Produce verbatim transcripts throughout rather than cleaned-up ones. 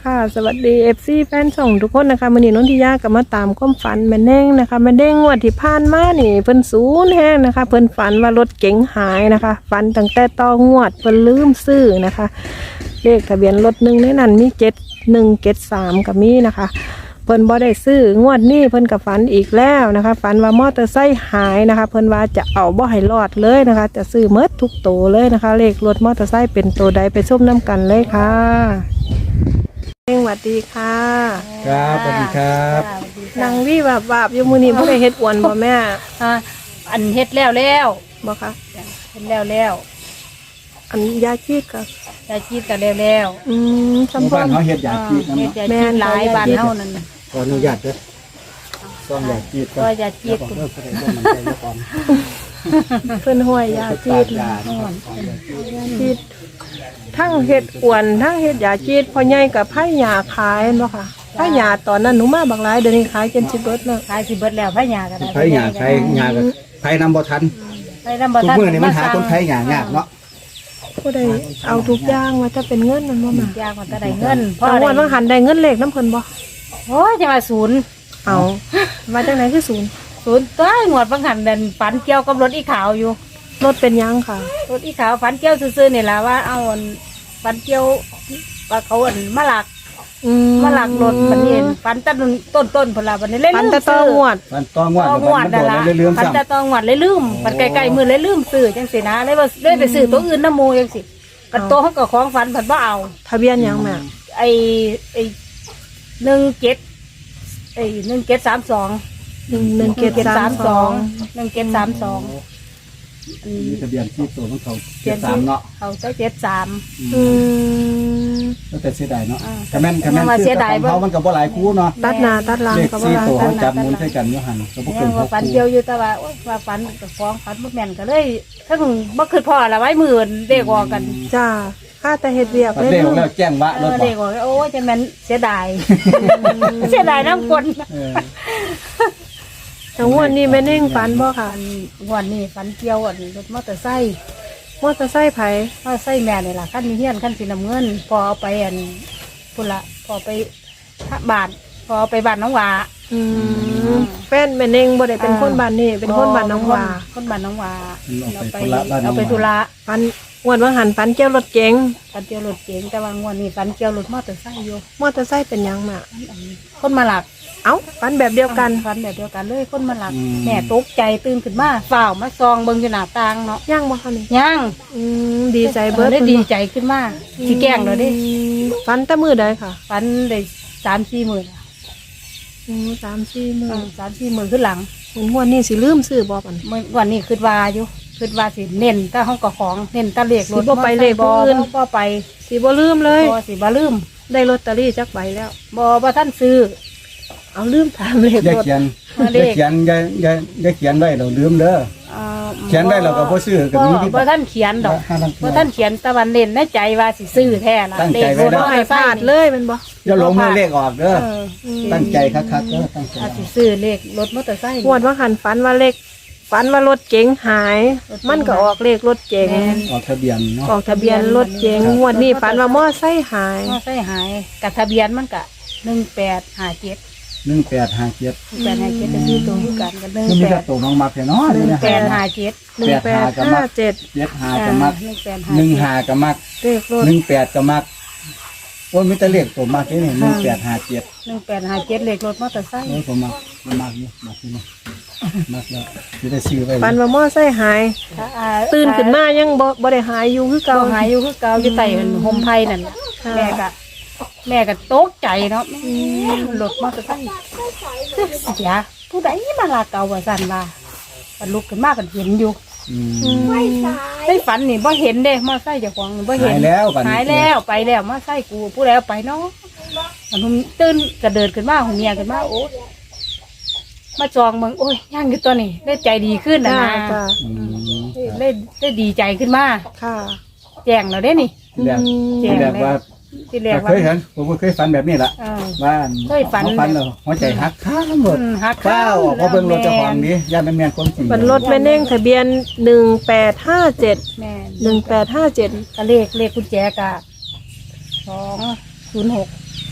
ค่ะสวัสดี เอฟ ซี แฟนช่องทุกคนนะคะมื้อนี้นนทิยาก็มาตามความฝันแม่เด้งนะคะแม่เด้งงวดที่ผ่านมานี่เพิ่นศูนย์แฮงนะคะเพิ่นฝันว่ารถเก๋งหายนะคะฝันตั้งแต่ต่องวดเพิ่นลืมซื้อนะคะเลขทะเบียนรถหนึ่งในนั้นมีเจ็ดหนึ่งเจ็ดสามก็มีนะคะเพิ่นบ่ได้ซื้องวดนี้เพิ่นก็ฝันอีกแล้วนะคะฝันว่ามอเตอร์ไซค์หายนะคะเพิ่นว่าจะเอาบ่ให้รอดเลยนะคะจะซื้อหมดทุกโตวเลยนะคะเลขรถมอเตอร์ไซค์เป็นตัวใดไปชมน้ำกันเลยค่ะสวัสดีค่ะครับสวัสดีครับนางวี่แบบแบบอยู่มื้อนี้บ่ได้เฮ็ดอวนบ่แม่อ่ะอันเฮ็ดแล้วแล้วบ่คะเฮ็ดแล้วแล้วอันยาชีดก็ยาชีดก็แล้วแล้วอืมหมู่สำบ้าคันญเขาเฮ็ดยาจีดเฮ็ดน้ำเนาะยาชีดหลายบ้านเฮานั่นน่ะขออนุญาตเด้อซ่อมยาจีดก็ยาชีดเพื่อเพื่อให้มันใจก่อนเพิ่นห้วยยาชีดยานะครับชีดทั้งเฮ็ดอวนทั้งเฮ็ดยาชีดพ่อใหญ่กับไผหญ้าขายเห็นบ่ค่ะไผหญ้าตอนนั้นหนูมาบักหลายเดี๋ยวนี้ขายจนสิเบิดแล้วขายสิเบิดแล้วพะยาก็ได้ไผหยาไผหยากับไผนำบ่ทันไปนำบ่ทุกทันมื้อนี่มันหาคนไผหยายากเนาะผู้ใดเอาทุกอย่างว่าจะเป็นเงินมันบ่แม่ยากมันก็ได้เงินพอวันว่าหันได้เงินเลขน้ำเพิ่นบ่โอ้ยจะมาศูนย์เอามาจากไหนคือศูนย์ศูนย์ตัวหมวดบางหันเดินฝันเกี่ยวกับรถอีขาวอยู่รถเป็นยังค่ะรถอีขาวฝันเกี่ยวซื่อๆนี่ล่ะว่าเอาอันฝันเกี่ยวว่าเขาอันมาหลักอืมมาหลักรถบัดนี้ฝันแต้นต้นต้นๆพุ่นล่ะบัดนี้เล่นปันแตะตองวดมันต้องงวดต้องมันวดโดนั่นนล่ะแล้วลืมฝันซ้ำแต่ต้องวดเลยลืมฝันไกลๆมือเลยลืมซื้อจังสินะเลยว่าเลยไปซื้อตัวอื่นน้ำหมูจังสิกันโตเขาก็ของฝันผัดว่าเอาทะเบียนยังแม่ไอ้ไอ้หนึ่งเจ็ดไอ้หนึ่งเจ็ดสามสองหนึ่งหนึ่งเกตสามสองหนึ่งเจ็ดสามสองมีทะเบียนที่ตัวของเขาเจ็ดสามเนาะเขาเจ้าเจ็ดสามอืมแล้วแต่เสียดายเนาะอ่าคะแม่นคะแม่นยังว่าคือเสียดายของเขามันก็บ่หลายคู่เนาะตัดหน้าตัดหลังเลขก็บ่สี่ว่าตัวกัเขานจับหมุนใส่กันอยู่หั่นก็บ่เนี่เกิยนหว่าก ฝันคู่เดียวอยู่แต่ว่าโอ๊ยว่าฝันกับฟ้องฝันบ่แม่นก็เลยถ้าถึงบ่คือพ่อละไว้มือเด็กออกกันจ้าข้าแต่เฮ็ดเวียกปัดเลยเร็วลูกแล้วแจ้งวะเอรถอบ่เด็กออกโอ้ยจะแม่นเสียดาย เสียดายน้ำกลเออแต่งวดนี้แม่เน่งฝันบ่ค่ะอันวันนี้ฝันเกี่ยวอันรถมอเตอร์ไซค์มอเตอร์ไซค์ไผมอเตอร์ไซค์แม่นี่ล่ะขั้นมีเฮียนขั้นสีน้ำเงินพอเอาไปอันพุ่นละพอไปบาทพอเอาไปบ้านน้องหวาอืมแฟนแม่เน่งบ่ได้เป็นคนบ้านนี้เป็นคนบ้านน้องว่าคนบ้านน้องหวาเอาไปธุระบ้านน้เอาองหวาไปธุระฝันงวดว่าหันฝันเกี่ยวรถเก๋งฝันเกี่ยวรถเก๋งแต่ว่างวันนี้ฝันเกี่ยวรถมอเตอร์ไซค์อยู่มอเตอร์ไซค์เป็นหยังแม่คนมาหลักเอ้าฝันแบบเดียวกันฝันแบบเดียวกันเลยคนมาหลักแม่ตกใจตื่นขึ้นมาเฝ้าวมาซองเบิ่งอยู่หน้าต่างเนาะย่างบ่คะนี่ยังอืมดีใจเบิดได้ดีใจขึ้นมาสิแกล้งเลยดิอืมฝันแต่มื้อใดค่ะฝันได้สามสี่หมื่นอืมสามสี่มื้อสามสี่หมื่นขึ้นหลังงวดนี้สิลืมซื้อบ่ปันเมื่อวันนี้คือว่าอยู่คือว่าสิเน้นแต่ห้องกับของเน้นแตะเลขรถสิบ่ไปเลขผู้อื่นบ่ไปสิบ่ลืมเลยบ่สิบ่ลืมได้ลอตเตอรี่จักใบแล้วบ่บ่ท่านซื้อเอาลืมถามเลขอย่ารถเขียนมาอเลขย่าเขียนอย่าอย่าอย่าเขียนไว้เราลืมเด้อเอ่อเขียนไว้เราก็บ่ซื้อก็มีที่บ่ท่านเขียนดอกห้าพันบ่ท่านเขียนแต่วันเน้นในใจว่าสิซื้อแท้ล่ะตั้งใจไว้เลขรถเด้บ่อให้พลาดเลยแมันบ่อย่าหลงมือเลขออกเด้อเออตั้งใจคักๆเด้อตั้งใจอาจสิซื้อเลขรถมอเตอร์ไซค์งวดว่าหันฝันว่าเลขฝันว่ารถเก๋งหายรถเก๋งมันก็ออกเลขรถเก๋งแม่นออกทะเบียนเนาะออกทะเบียนรถเก๋งงวดนี้ฝันว่ามอไซค์หายมอเตอร์ไซค์หายกับทะเบียนมันก็หนึ่งแปดห้าเจ็ดหนึ่งแปดห้าเจ็ดแปดห้าเจ็ดจะซื้อตัวคือกันกับหนึ่งคือมีแปแต่ดตัวน้องมักแค่เนาะหนึ่งนี่นะแปดห้าเจ็ดหนึ่งแปดห้าเจ็ดเจ็ดห้าก็มักหนึ่งแปดหนึ่งห้าห้าก็มักเลขรถหนึ่งแปดก็มักโอ้ยมีแต่เลขตัวมักนี่หนึ่งแปดห้าเจ็ดหนึ่งแปดห้าเจ็ดเลขรถมอเตอร์ไซค์โอ้ยผมมักผมมักอยู่มักอยู่เนาะมักแล้วจะได้ซื้อไว้ฝันว่ามอไซค์หาย ตื่นขึ้นมายังบ่บ่ได้หายอยู่คือเก่าเก่าหายอยู่คือเก่าอยู่ใต้โฮมไพนั่นน่ะค่ะแม่ก็แม่ก็ตกใจเนาะรถมอเตอร์ไซค์เสียผู้ใดมาลาเก่าว่าสั่นว่าบรรลุกขึ้นมากันเห็นอยู่อืมอืมในฝันนี่บ่เห็นเด้มอเตอร์ไซค์เจ้าของบ่เห็นหายแล้วบัดนี้หายแล้วไปแล้วมอเตอร์ไซค์กูผู้แล้วไปเนาะมันหุ่มตื่นกระเดิดขึ้นมาหุ่มเมียขึ้นมาโอ้มาจองเมืองโอ้ยย่างอยู่ตัวนี้ได้ใจดีขึ้นนะจ้านะจ้าอืมได้ได้ดีใจขึ้นมาค่ะแจ้งเราได้นี่ที่แรกแจ้ที่งแรกว่าที่แรกเคว่ายเห็นผมก็เคยฝันแบบนี้แหละเออว่าเคยฝันขาฝันแล้วหัวใจหักข้างหมดอืมหักเป้าออกมาเบิ่งรถเจ้าของแม่นนี้ย่านมันแม่นความจริงเป็นรถแม่เน่งทะเบียนหนึ่งแปดห้าเจ็ดแม่นหนึ่งแปดห้าเจ็ดก็เลขเลขกุญแจกะสองศูนย์หก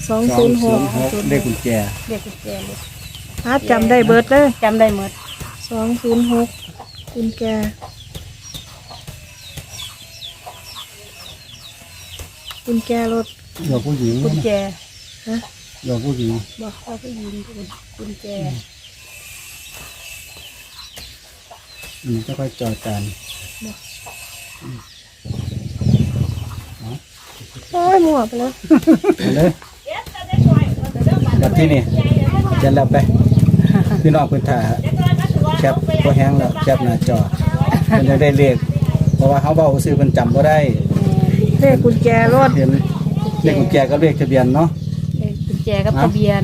สองสอศูงนย์หศูกนย์หกเลขกุญแจเด็กกุญแจรถอาจำได้เบิดเลยจำได้หมดสองศูนย์หกกุญแจกุญแจรถเดี๋ยวผู้หญิงกุญแจฮะเดี๋ยวผู้หญิงบอกเขาก็ยิงกุญแจอืมจะค่อยจอดกันโอ้ยหมวกไปแล้วเอาเลยแบบที่นี่เจะแล้วไปพี่น้องเพื้นถ่าแคปก็แห้งแล้วแคปหน้าจอมันจะได้เลขเพราะว่าเขาเบาซื้อมันจำก็ได้เลขกุญแจรถเห็นเลขกุญแจก็เลขทะเบียนเนาะเด็กกุญแจกับทะเบียน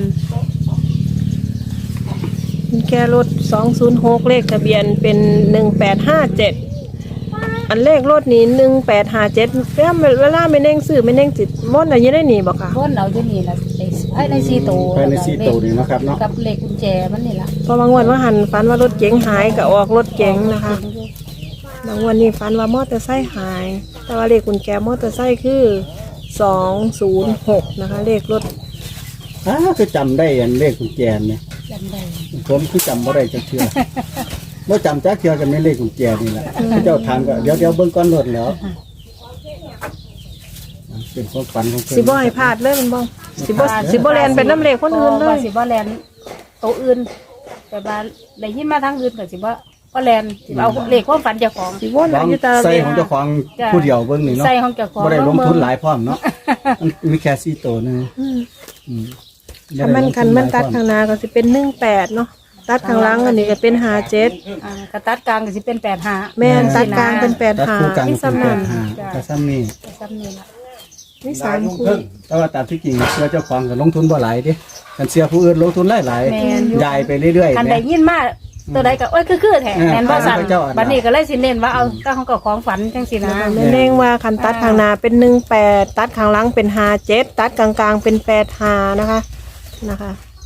กุญแจรถสองศูนย์หกเลขทะเบียนเป็นหนึ่งแปดห้าเจ็ดอันเลขรถนี้หนึ่งแปดห้าเจ็ดเวลาเวลาไม่เน่งซื้อไม่เน่งจิตมดอะไรยังได้หนีบอกค่ะพ้นเอาจะนี่ละไอ้ในซีโตภายในสี่ตัวนี่เนาะครับเนาะกับเลขกุญแจมันนี่ละพอบางวันว่าหันฝันว่ารถเก๋งหายก็ออกรถเก๋งนะคะบางวันนี้ฝันว่ามอเตอร์ไซค์หาย แต่ว่าเลขกุญแจมอเตอร์ไซค์คือสองศูนย์หกนะคะ เลขรถอ้าคือจำได้อันเลขกุญแจเนี่ยจำได้ผมคือจำบ่ได้จักเทื่อ เมื่อจำจักเทื่อกันไม่เลขกุญแจนี่แหละเจ้าถามก็เดี๋ยวเดี๋ยวเบิ่งก้อนรถแล้วเป็นความฝันของเพิ่นสิบ่ให้พลาดเลยมันบ้องสิบ่สิบ่แลนเป็นน้ำเลขคนอื่นเลว่าย สิบ่แลนโตวอื่นแต่ว่าได้ยินมาทางอื่นก็สิบ่บ่แลนสิเอาเลขความฝันเจ้าของสิวนลองอยู่ตาใส่เวของเจ้าของผู้เดียวเบิ่งนี่เนาะใส่ของเจ้าของบ่ได้ลงทุนหลายพร้อมเนาะมันมีแค่สี่ตัวนึงอืมอืมคันมันคันมันตัดข้างหน้าก็สิเป็นหนึ่งแปดเนาะตัดข้างหลังอันนี้ก็เป็นห้าเจ็ดอ่ากระตัดกลางก็สิเป็นแปดห้าแม่นตัดกลางเป็นแปดตัดหาคู่กลางที่เป็นสำแปนักดห้าแต่ซ้ำนี่ซ้ำนี่ละนี่สามคู่แต่ว่าตามที่จริงเชื่อเจ้าของก็ลงทุนบ่หลายเด้กันเสียผู้อื่นลงทุนหลายหลายแม่นอยู่ยายไปเรื่อยๆคันแหได้มยินมาตัวใดก็โอ้ยคือคือแท้เออแม่นบ่สั่นพระเจ้าอ่ะบัดนี้ก็เลยสิเน้นว่าเอาก็ของก็ของฝันจังซี่นะแม่เน่งว่าคันตัดข้างหน้าเป็นหนึ่งแปดตัดข้างหลังเป็นห้าเจ็ดตัดกลางๆเป็นแปดหานะคะนะคะ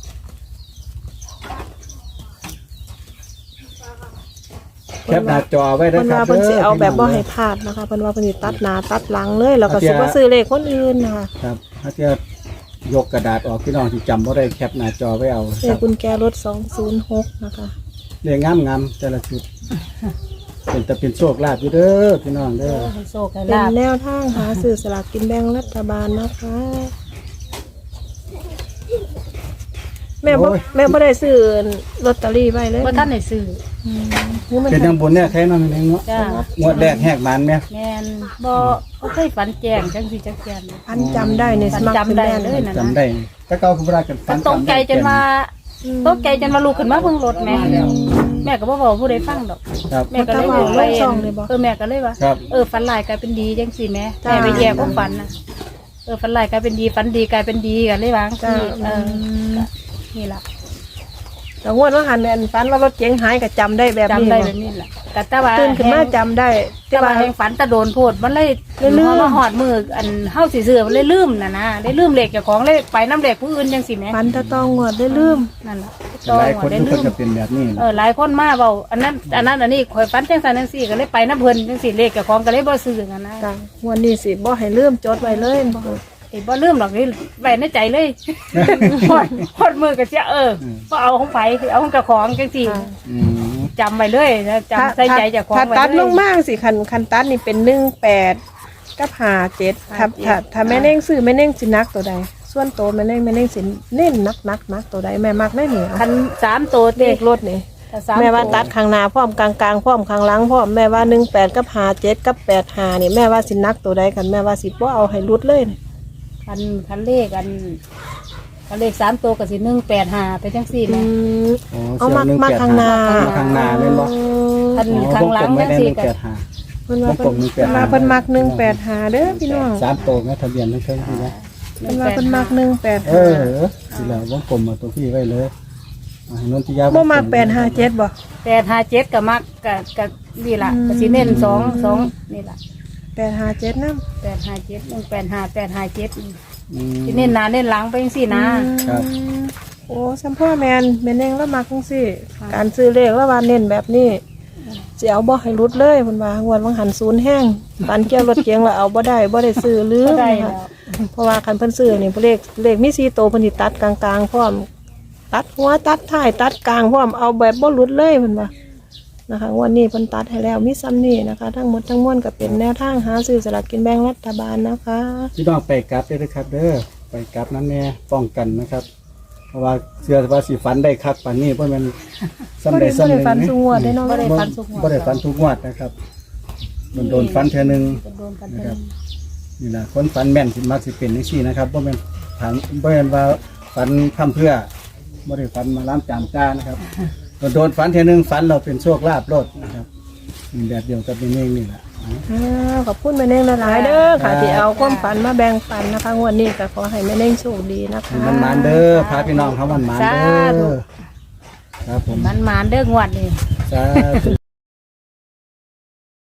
แคปหน้าจอไว้ด้วเพิ่ยนครัว่าบเพิ่นสิเอาแบบบ่ด้ให้พลาดนะคะเพิ่นว่าเพิ่นสิตัดหน้าตัดหลังเลยแล้วก็สิบ่ซื้อเลขคนอื่นนะคะครับถ้าเทียบยกกระดาษออกพี่น้องที่จำบ่ได้แคปหน้าจอไว้เอาเลครัขบกุญแจรถสองศูนย์หกนะคะเรียงงามๆแต่ละชุดเป็นแต่เป็นโชคลาภอยู่เด้อพี่น้องเด้อให้โชคให้เป็นลาบแนวทางหาซื้อสลากกินแบ่งรัฐบาลนะคะ แม่บ่แม่บ่ได้ซื้อลอตเตอรี่ไว้เลยบ่ทันได้ซื้ออืมนี่มันเป็นยังบนเนี่ยใครน้องนี่เนาะจ้างวดแรกแหกมันแม่แม่นบ่บ่เคยฝันแจ้งจังซี่จักเทื่อพันจำได้ในสมัครเป็นแม่นจำได้เลยจำได้ถ้าเก่าคือบ่ได้กันฟัมัน นตกใจจนว่าตกใจจนว่าลูกขึ้นมาเบิ่งรถแม่แม่ก็บ่บอกผู้ใดฟังดอกครับแม่ก็เลยบอกว่าเออแม่ก็เลยว่าครับเออฝันหลายกลายเป็นดีจังสิแม่แม่ไปแยกความฝันนะเออฝันหลายกลายเป็นดีฝันดีกลายเป็นดีกันเลยวางจ้าที่เออก็นี่ล่ะแต่งวดว่าหันแม่นฝันว่ารถเก๋งหายก็จำได้แบบจำนี้ได้บ่แบบนี้แหละกะตาว่าตื่นขึ้นมาจำได้แต่แต่ว่าว่าแห่งฝันตะโดนโพดมันเลยเลยลืมมาหอดมืออันเฮาสิซื้อมันเลยลืมน่ะนะได้ลืมเหล็กเจ้าของเลยไปน้ำเหล็กผู้อื่นจังสิแม่ฝันแตะต้องงวดได้ลืมนั่นล่ะหลายคนได้ทุกคลืนมจะเป็นแบบนี้เออหลายคนมาเบาอันนั้นอันนั้นอันนี้ข่อยฝันจังสันจังสี่ก็เลยไปน้ำเพลินจังสี่เลขเจ้าของก็เลยบ่ซื้อกันนะจ้ะงวดนี้สิบ่ให้ลืมจดไว้เลยบ่ไอ้บ่ลืมหรอกนี่ไว้ในใจเลยพอดพอดมือก็เสียเออบ่เอาของไผเอาของเจ้าของจังสี่อืมจำไว้เลยนะจำใส่ใจเจ้าของถ้าไว้ตัดเลลยงมากสิคันคันตัดนี่เป็นหนึ่งแปดกับห้าเจ็ดถ้าถ้าถ้าแม่เน่งซื้อแม่เน่งสินักตัวใด ส่วนโตวแม่เน่งแม่เน่งสิเน้นนักนักนักตัวใดแม่มักได้เหนียวคันสามตัวเลเด็ขรถนี่ถ้สามแม่ว่าตัวตัดข้างหน้าพร้อมกลางกลางพร้อมข้างหลังพร้อมแม่ว่าหนึ่งแปดกับห้าเจ็ดกับแปดห้านี่แม่ว่าสินักตัวใดกันแม่ว่าสิบ่เอาให้รุดเลยนี่คันคันเลขอันคันเลขสามตัวก็สิหนึ่งแปดห้าไปจังสี่อืนะมโอ้เอามาสี่ยวมาข้างหน้ามาข้างหน้าแม่นบ่คันอ๋อข้างหลังวกลมไม่จังได้สี่หนึ่งก็แปดห้าเพิ่นว่าผมเพิ่นหนึ่งแปดห้าเพิ่นมักหนึ่งแปดห้าเด้อพี่น้องสามโตวแม่ทะเบียนทั้งเทิงพี่นะเพิ่นว่าเพิ่นมักหนึ่งแปดเอห้าอสิแล้ววงกลมมาตัวพี่ไว้เลยอ่าให้นนทิยาบ่มักแปดห้าเจ็ดบ่แปดห้าเจ็ดก็มักก็ก็นี่ล่ะอืมก็สิเน้นสองสองนี่ล่ะแปดห้าเจ็ดนำแปดห้าเจ็ดหนึ่งแปดห้าแปดห้าเจ็ดอืมสิเน้นหน้าเน้นหลังไปจังสี่นะครับโอ้สัมพ่อแมนแม่นเองแล้วมักจังซี่ค่ะการซื้อเลขแล้วว่าเน้นแบบนี้สิสิเอาบ่ให้หลุดเลยเพิ่นว่างวดวังหันศูนย์แห้งฝันเกี่ยวรถเก๋งแล้วเอาบ่ได้บ่ได้ซื้อลืก็มได้นะคะแล้วเพราะว่าคันเพิ่นซื้อนี่เลขเลขมีสี่ตัวเพิ่นสิตัดกลางๆพร้อมตัดหัวตัดท้ายตัดกลางพร้อมเอาแบบบ่หลุดเลยเพิ่นว่านะคะงวันนี้เพิ่นตัดให้แล้วมีซ้ำนี่นะคะ ทั้งหมดทั้งมวลก็เป็นแนวทางหาซื้อสลากกินแบ่งรัฐบาลนะคะพี่น้องไปกลับเด้อนะครับ เด้อไปกลับนั้นแน่ป้องกันนะครับ เพราะว่าเชื่อว่าสิฝันได้คักปานนี้เพราะมันซ้ำบ่ได้ได้ซ้ำบ่หได้นึ่งฟันนะสูงวดได้เนาะบ่ได้ฟันสุกหัวบ่ได้ฝันทุกงวดนะครับมันโดนฝันเทื่อหนึงโดนกันนะครับนี่นะคนฝันแม่นสิมักสิเป็นจังซี่นะครับบ่แม่นฝันบ่แม่นว่าฝันพร่ำเพรื่อบ่ได้ฝันมาล้ามจามจ้านะครับโดนฝันเทื่อหนึงฝันเราเป็นโชคลาภโลดนะครับนี่แบบเดียวกับนี่เองนี่แหละอ่าขอบคุณแม่เน่งหลายๆเด้อค่ะที่เอาความฝันมาแบ่งปันนะคะงวดนี้ก็ขอให้แม่เน่งโชคดีนะคะมันมานๆเด้อพาพี่น้องเขามันมานๆเด้อครับผมมันมานเด้องวดนี่สาธุ